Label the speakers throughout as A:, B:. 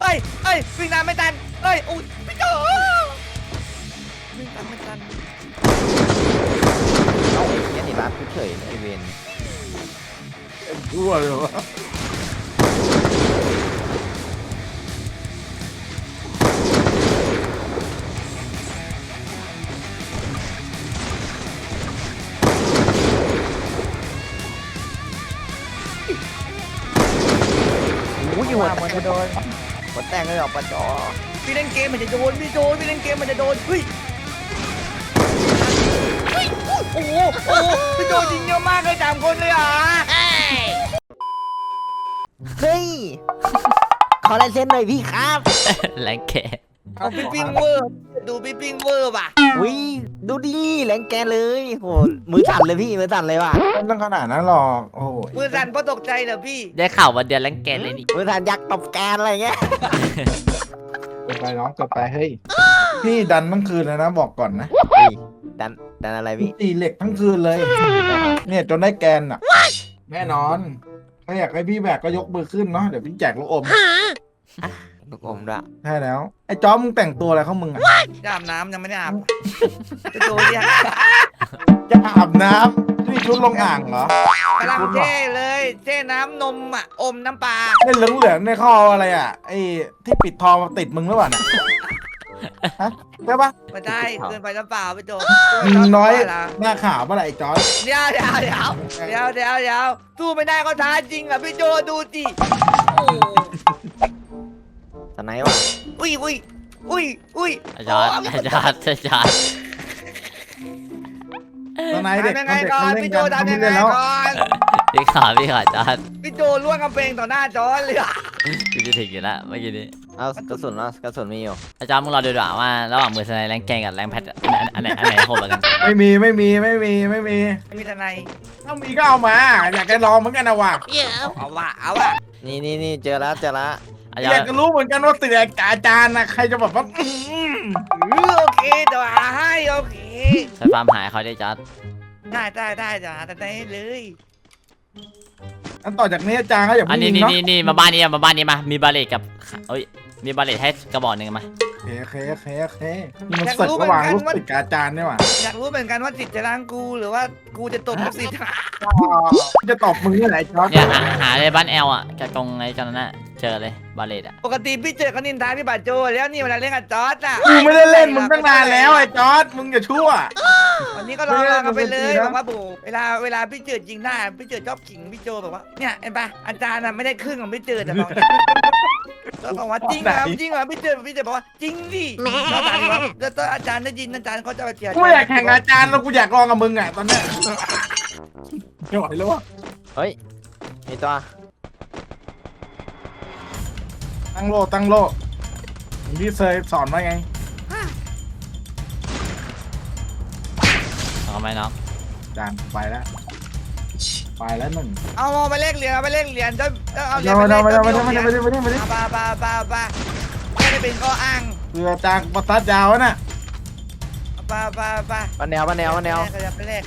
A: เอ้ยวิ่งตามไม่ทันอุ้ยพี่โจวิ่งตามไม่ทัน
B: เอาไอ้เนี้ยนี่รับเฉยไอเวน
C: ชั่วเลยวะ
B: อุ้ยหัวมันจะโดนหัวแตกเลยออกปะจอ
A: พี่เล่นเกมมันจะโดนพี่โจพี่เล่นเกมมันจะโดนเฮ้ยโอ้โหพี่โจยิงเยอะมากเลย3 คนเลยอ่ะ
B: เฮ้ยขอลายเซ็นหน่อยพี่ครับ
D: แรงแก
A: เอาพี่ปิ้งเวอร์ดูพี่ปิ้งเวอร์ป่ะ
B: อุ้ยดูดิแรงแกเลยโหมือสั่นเลยพี่มือสั่นเลยว่ะ
C: ไม่ต้องขนาดนั้นหรอกโอ้โห
A: มือสั่นเพราะตกใจเหรอพี่
D: ได้ข่าวว่าเดือนแรงแกเลยนี่
B: มือสั่นยักษ์ตบแกนอะไรเงี้ย
C: เกิดไปน้องเกิดไปเฮ้ยพี่ดันทั้งคืนเลยนะบอกก่อนนะ
B: เฮ้ยดันอะไรพี่
C: ตีเหล็กทั้งคืนเลย เนี่ยจนได้แกนอ่ะแน่นอนถ้าอยากให้พี่แบกก็ยกมือขึ้นเนาะเดี๋ยวพี่แจกลูกอม
B: ลูกอมด้วย
C: ใช่แล้วไอ้จ๊อบมึงแต่งตัวอะไรของมึงอ่ะ
A: จะอาบน้ำยังไม่ได้อาบพี่โจเนี่ย
C: จะอาบน้ำนี่ชุดลงอ่างเหรอก
A: ำลังเท่เลยเท่น้ำนมอ่ะอมน้ำปลา
C: เล่นเหลืองๆในข้ออะไรอ่ะไอ้ที่ปิดทองมาติดมึงหรือเปล่าเนี่ยฮะใช่ปะ
A: ไม่ได้เกินไปน้ำเปล่าพี่โจ
C: มึงน้อยหน้าขาวเมื่อไหร่ไอ้จ๊อบ
A: เดี๋ยวสู้ไม่ได้ก็ท้าจริงอ่ะพี่โจดูสิโอ้
B: สไนว่ะ
A: อุ้ย
D: อาจารย์อาจารย์อาจารย์
C: ตอนไหนเด็ก
A: ทำยังไง
C: เด็ก
A: ก่อน
C: เขาเล่น
A: พี่โจ
C: กัน
A: ทำ
C: เขา
A: ยัง
C: ไม่
A: ไง
C: เล่นแล้ว
A: ก่อน
D: พี่ขาอาจารย์
A: พี่โจล่วงกำแพงต่อหน้าจอเลยอ่ะ
D: กูจะถึงอยู่แล้วเมื่อกี้นี้
B: เอากระสุนมีอยู่
D: อาจารย์มึงรอดูดีกว่าว่าระหว่างมือสไนแรงแกงกับแรงแพทอันไหนโหดกว่ากัน
C: ไม่มี
A: มีทนาย
C: ถ้ามีก็เอามา อยากจะลองเหมือนกันนะว่ะ
A: เอาว่ะ
B: นี่เจอแล้ว
D: อา
C: อ
D: จาร
C: ยาก
D: ย์
C: จะรู้เหมือนกันว่าติดอาจารย์นะใครจะแบบว่า
A: โอเคเดี๋ยวหาให้โอเค
D: ใช้ฟาร์มหายเขาได้อาจารย์
A: ได้จะหาทนายเลย
C: อันต่อจากนี้อาจารย์เขาอย่า
D: อัน
C: เพิ่ง
D: นี้
C: ยิงเนาะ
D: นี่มาบ้านนี้มามีบาเลตกับเอ้ยมีบาเลตให้กระบอกหนึ่งมา
C: โอเคนี่มันศึกระหว่างลูกศิษย์กับอาจารย์เนี่ยว่ะ
A: อยากรู้เหมือนกันว่าสิทธิ์จะล้างกูหรือว่ากูจะตบลูกศิษย์
C: จะตบมึงที่ไหนจ๊อบ
D: เนี่ยหาเลยบ้านแอลอ่ะกับตรงไอ้จอนนั้นเจอเลยบาเลตอ่ะ
A: ปกติพี่เจอกันนินทาพี่บาโจแล้วนี่เวลาเล่นกับจอร์ดอ่ะ
C: กูไม่ได้เล่นมึงตั้งนานแล้วไอ้จอร์ดมึงอย่าชั่ว
A: วันนี้ก็ลองกันไปเลย
C: ไม่ได้
A: บอกว่าโบเวลาพี่เจอจริงได้พี่เจอชอบขิงพี่โจบอกว่าเนี่ยเห็นปะอาจารย์ไม่ได้ครึ่งของพี่เจอแต่บอกก็บอกว่าจริงเหรอพี่เจอบอกว่าจริงดิอาจารย์บอกแล้วอาจารย์ได้ยินอาจารย์เขาจะไปเจีย
C: กูไม่อยากแข่งอาจารย์แล้วกูอยากลองกับมึงอ่ะตอนเนี้ยไม่ไหวแล้ววะ
B: เฮ้ยมีตัว
C: ตั้งโลพี่เคยสอนมาไง
D: เอาไหมน้อง
C: อาจารย์ไปแล้วหนึ่ง
A: เอาไปเลขเหรียญเอาเหรียญ
C: ไม่ได้
A: ไม่ได้เป็นข้ออ้าง
C: คืออาจารย์ประทัดยาวน่ะ
B: บ้านแนว
A: ขยับไปเลข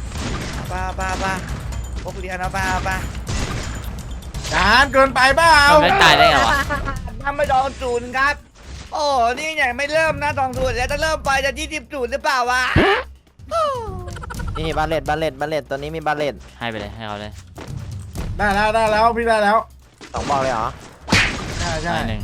A: พกเหรียญเอา
C: อาจารย์เกินไปเปล่า
D: มันไม่ตายได้ไงวะ
A: ทำไม่ดองศูนย์ครับ โอ้นี่ยังไม่เริ่มนะดองศูนย์แล้วถ้าเริ่มไปจะ20ศูนย์หรือเปล่าวะ
B: นี่บาเลตตัวนี้มีบาเลต
D: ให้ไปเลยให้เขาเลย
C: ได้แล้วพี่ได้แล้ว
B: 2บอกเลยเหรอ
C: ใช่
D: ให้หนึ่ง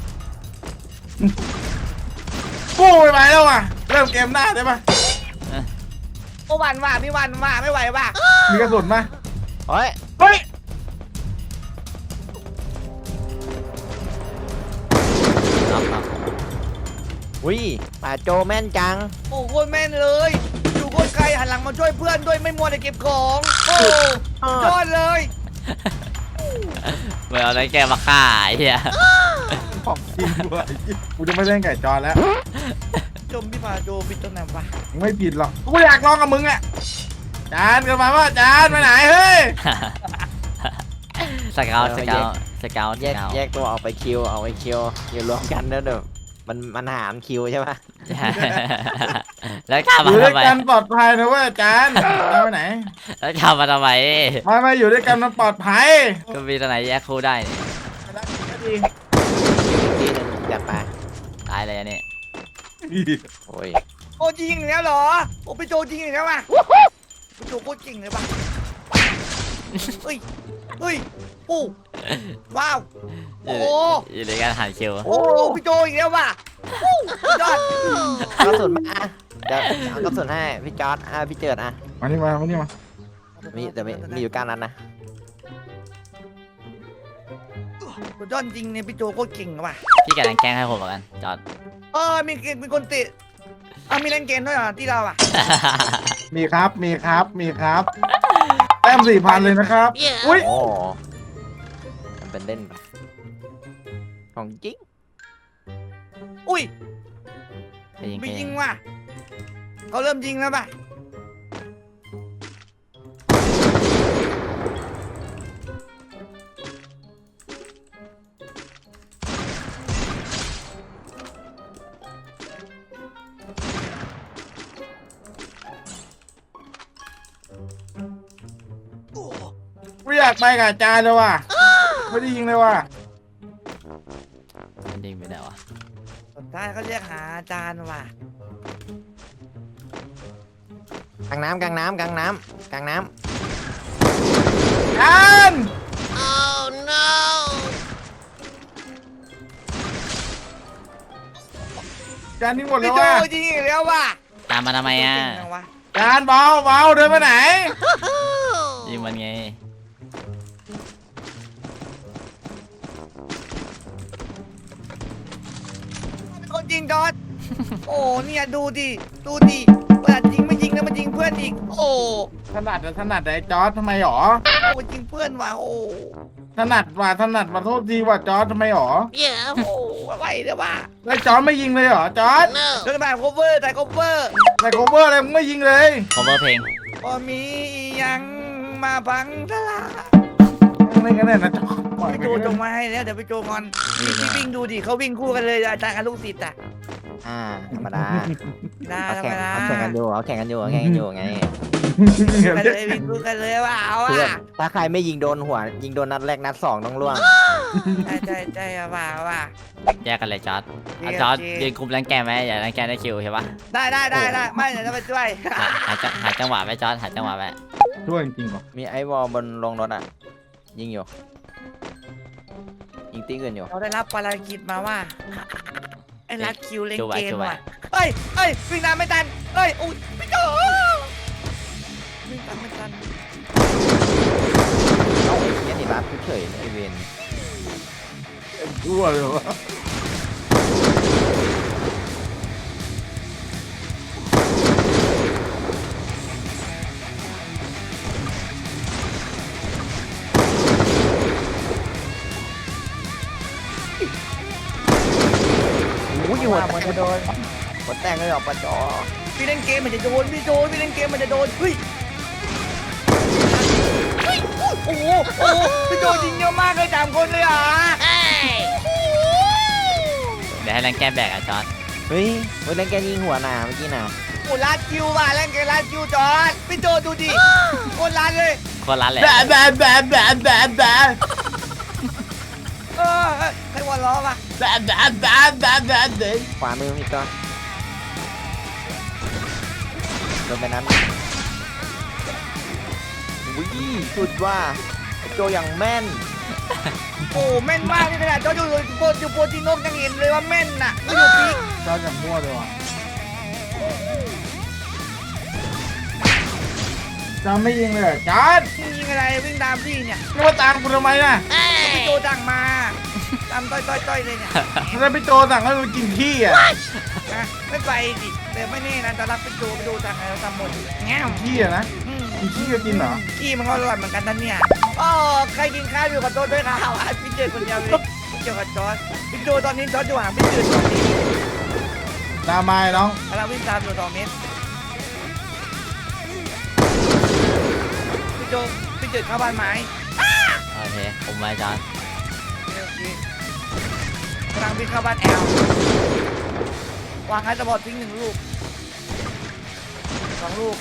C: กู้ไปแล้วว่ะเริ่มเกมหน้าได้ปะ
A: โอ้วันว่าไม่ไหวว่ะ
C: มีกระสุนไหม
B: เฮ้ย
C: เฮ้ย
D: น้อง
B: อุ้ยป่าโจแม่นจัง
A: โอ้โคตรแม่นเลยอยู่โคตรไกลหันหลังมาช่วยเพื่อนด้วยไม่มัวแต่เก็บของโอ้ยอดเลย
D: เมื่อเอาแรงแกมาฆ่าไอ้เหี้ย
C: ของจริงด้วยกูจะไม่เล่นไก่จอแล้ว
A: จมพี่พาโจปิดตรงไหนวะ
C: ไม่ผิดหรอกกูอยากลองกับมึงอ่ะอาจารย์กันมาว่าอาจารย์ไปไหนเฮ้ย
D: สเกล
B: แยกตัวออกไปคิวอยู่รวมกันแล้วเดี๋ยวมันหารคิวใช่ปะ
D: แล้วข้า
C: อ
D: มา
C: ยู่ด้วย
D: ทำไม
C: กันปลอดภัยนะเว้ยอาจารย์เอาไปไหน
D: แล้วข้ามาทำไม
C: ไม่อยู่ด้วยกันมันปลอดภัย
D: ก็มีตัวไหนแยกคู่ได้นี่
B: ทีหนึง
D: เลยอันนี้
B: โอ้ย
A: โอ้จริงอีกแล้วเหรอโอ้พี่โจจริงอีกแล้วว่ะพี่โจโคตรจริงเลยป่ะเฮ้ยเฮ้ยโอ้ว้าวโอ้
D: อยู่ในการหาคิว
A: โอ้พี่โจอีกแล้วว่ะยอด
B: กระสุนมาอ่ะเดี๋ยวเอากระสุนให้พี่จอร์ดพี่เจิดอ่ะ
C: มานี่มานี่มา
B: มีแต่มีอยู่9 นัดนะ
A: สุดยอดจริงเนี่ยพี่โจโคตรเก่งว่ะ
D: พี่กับแรงแกล้งให้ผมเหมือนกันจอด
A: มีคนติมีเล่นเกมด้วยเหรอที่เราอ่ะ
C: มีครับมีครับมีครับแต้ม4,000เลยนะครับอุ้ย
B: โอ้มันเป็นเล่นไปของจริง
A: อุ้ย
D: ไปยิง
A: ไม่
D: แค่
A: ยิงว่ะเขาเริ่มยิงแล้วป่ะ
C: ไม่อยากไปกับอาจารย์เลยว่ะไม่ได้ยิงเลยว่ะ
D: มันยิงไปไหนวะ
A: สุดท้ายเขาเรียกหาอาจารย์ว่ะ
B: กลางน้ำกลางน้ำกลางน้ำกลางน้
C: อาจารย์อาจารย์นี่หมดแล้
A: พี่
C: ว
A: โจ
C: ว่ะ
A: ยิงอีกแล้วว่ะ
D: ตามมาทำไมอ่ะ
A: เก่งจังวะ
C: อาจารย์เบาเบาเดินไปไหน
D: ยิงมันไง
A: เป็นคนยิงจอดโอ้เนี่ยดูดิเวลายิงไม่ยิงแล้วมันยิงเพื่อนอีกโอ้
C: ถนัดแต่ถนัดแต่ไอ้จอร์ดทำไมหรอ
A: โอ้ยิงเพื่อนว่ะโอ้
C: ถนัดว่ะถนัดมาโทษทีว่ะจอร์ดทำไมหรอ
A: โอ้อะไรเนี่ยว่ะ
C: แล้วจอร์ดไม่ยิงเลยเหรอจอร์ด
A: เดินแบบโคเวอร์แต่โคเวอร์
C: แต่โคเวอร์อะไรมึงไม่ยิงเลย
D: cover เพลง
A: พอมียังมาพังทลาย
C: อะไรกันเนี่ยนะจอร์ดปล่อย
A: พี่
C: ไป
A: โจ
C: เถ
A: จง
C: อะ
A: มาให้แล้วเดี๋ยวพี่โจงอน
D: นี่
A: พี่
D: นะ
A: วิ่งดูดิเขาวิ่งคู่กันเลยอาจารย์กับลูกศิษย์อ่ะ
B: ำธรรมดา
A: ได้
B: เขา
A: ธรร
B: แข่
A: ม
B: ง
A: ดา
B: เขาแข่งกันอยู่เขาแข่งกันอยู่เขาแข่งกันอยู่ไง
A: กันเลยวิ่งคู่กันเลยว่าเอา
B: เพื่อน
A: อ่ะ
B: ถ้าใครไม่ยิงโดนหัว ยิงโดนนัดแรกนัด2ต้องล่วง
A: ใช่ว่า
D: แยกกันเลยจอร์ด
A: โอเค
D: จอร์ด
A: โอเค
D: ยืนคุมแรงแกล้งไหมอย่าแรงแกล้งได้คิวใช่ปะ
A: ได้ไม่เดี๋ยวจะไปช่วย
D: หาจังหวะไว้จอร์ดหาจังหวะไว้
C: ช่วยจริงๆเหรอ
B: มีไอ้วอลบนลงรถอ่ะ ยิงอยู่ ยิงตีเงินอยู่
A: เราได้รับภารกิจมาว่าไอ้รัดคิวเล่น
D: จูไว้
A: เกม
D: จูไว้
A: ว่ะเฮ้ยวิ่งตามไม่ทันเฮ้ยอุ้ยพี่โจวิ่งตามไม่ทัน
B: เอาไอ้เนี้ยนี่รับเฉยๆไอเวน
C: ชั่วเลยวะ
B: โอ้ยหัวแตกโดนหัวแตกเลยเหรอปะจอ
A: พี่เล่นเกมมันจะโดนพี่โจพี่เล่นเกมมันจะโดนเฮ้ยโอ้โหพี่โจยิงเยอะมากเลย3 คนเลยเหรอ
D: เดี๋ยวให้แรงแกล้งแบกอ่ะจอร์ด
B: เฮ้ยเล่นแกยิงหัวหนาเมื่อกี้น่ะ
A: โอ้รัดคิวว่ะเล่นเกมรัดคิวจอดพี่โจดูดิโคตรรัดเลย
D: คนร้านแหละ
C: แบะแบะแบะแบะแบะแบะ
A: ใครหัวล้อป่ะ
C: แบะแบะแบะแบะแบะเด็ก
B: ขวามือพี่ก็โดนไปนั้นวิ่งสุดว่าไอ้โจอย่างแม่น
A: โอ้แม่นมากนี่ขนาดจอดอยู่โปรตีนกยังเห็นเลยว่าแม่นน่ะไม่อยู่พีก
C: จอร์ดอย่างมั่วเลยว่ะจอร์ดไม่ยิงเลยเหรอจอร์ด
A: ยิงอะไรวิ่งตามพี่เนี่ย
C: นี่ว่าตามกูทำไมน่ะ
A: พี่โจสั่งมาตามต้อยเลยเนี่ย
C: แล้วพี่โจสั่งให้กูกินขี้อ่ะ
A: นะไม่ไปดิแต่ไม่แน่นะจะรับพี่โจสั่งอะไรเราทำหมดแง่ว
C: ขี้อ่ะนะกินขี้ก็กินเหรอ
A: ขี้มันก็อร่อยเหมือนกันนั่นเนี่ยอ๋อใครกินข้าวอยู่กับโจด้วยข้าวพี่เจอคนเดียวเลยพี่เจอกับจอร์ดพี่โจตอนนี้จอร์ดอยู่ห่างพี่เจอ2 เมตร
C: ตามมาไอ้น้อง
A: เราวิ่งตามอยู่2 เมตรพี่เจอเข้าบ้านไม้
D: โอเคผมไว้จอร์ด
A: โอเคกำลังวิ่งเข้าบ้านแอลวางไอ้ตะบอดทิ้ง1 ลูก 2 ลูก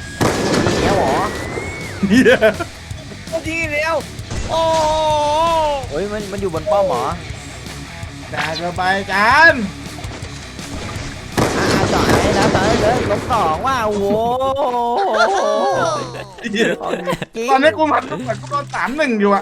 B: ยิงแล้วเหรอ
C: เหี้ย
A: โอ้ทิ้งอีกแล้วโอ้
B: ฮ้ยมันอยู่บนป้อมเหรอ
C: จ่ายเข้าไปจาน
B: จ่ายนะจ่ายเลยลบ2ว่ะโอ้โห
C: ตอนนี้กูมันเหมือนกูโดน3-1อยู่อ่ะ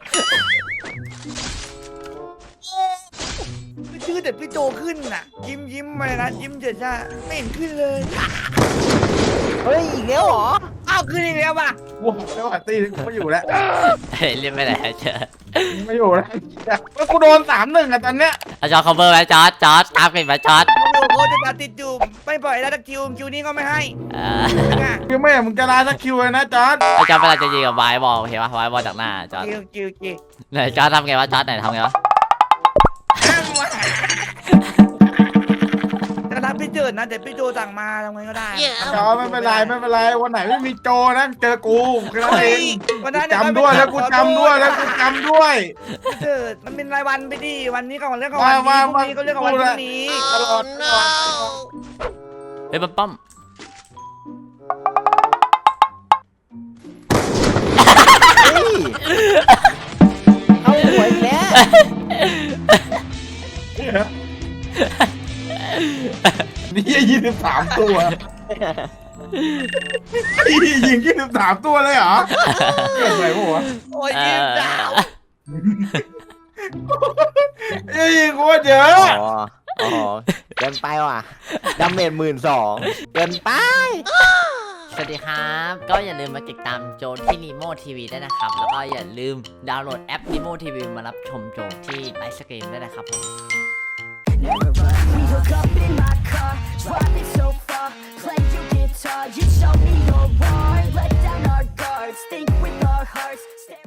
A: ไม่ชื่อแต่พี่โจขึ้นน่ะ ยิ้มมาเลยนะยิ้มเจิดจ้าไม่เห็นขึ้นเลย
B: เฮ้ยอีกแล้วเหรอ
A: อ้าวขึ้นอีกแล้วป่ะ
C: กูบอกแล้วว่าตีกูไม่อยู่แล้ว
D: เฮ้ยเรียกไม่ได้เจอ
C: ไม่อยู่แล้วก็กูโดน3-1อ่ะตอนเนี้ย
D: เอาจอ cover ไว้จอร์จตามไปมาจอร์จ
A: โอ้โหจะตาติดจูบไม่ปล่อยแล้วตะคิวนี้ก็ไม่ให้ ง่ะ
C: คือไม่มึงจะลาสักคิวเลยนะจอร์ด
D: ไอ้จอร์จเวลาจะยิงกับไวบอลเห็นปะไวบอลจากหน้าจอร์จ
A: คิว
D: ไหนจอร์จทำไงวะจอร์จไหนทำไงวะ
A: จะรับพี่เจิดนะแต่พี่โจสั่งมาทำไงก็ได้
C: จอร์ดไม่เป็นไรวันไหนไม่มีโจนะเจอกูแค่นั้นเอง
A: วันนั้น
C: จำด้วยแล้วกูจำด้วย
A: เจิดมันเป็นรายวันไปดิวันนี้ก็วันเรื่องของวันนี้พรุ่งนี้ก็เรื่องของวันพรุ่งนี้
C: ตลอด
D: เฮ้ยปั๊ม
B: เฮ้ยเอาหัวอีกแล้ว
C: นี่23ตัวยิง23ตัวเลยเหรอเกิดอะไรวะ
A: โอ้ยยิ้มจ้า
C: ยิงโคตรเยอะ
B: อ๋อเกินไปว่ะดาเมจ12,000เกินไป
D: สวัสดีครับ ก็อย่าลืมมาติดตามโจที่ Nemo TV ด้วยนะครับ แล้วก็อย่าลืมดาวน์โหลดแอป Nemo TV มารับชมโจที่ไลฟ์สตรีมด้วยนะครับผม
E: We hook up in my car, driving so far. Play your guitar, you show me your heart. Let down our guards, think with our hearts.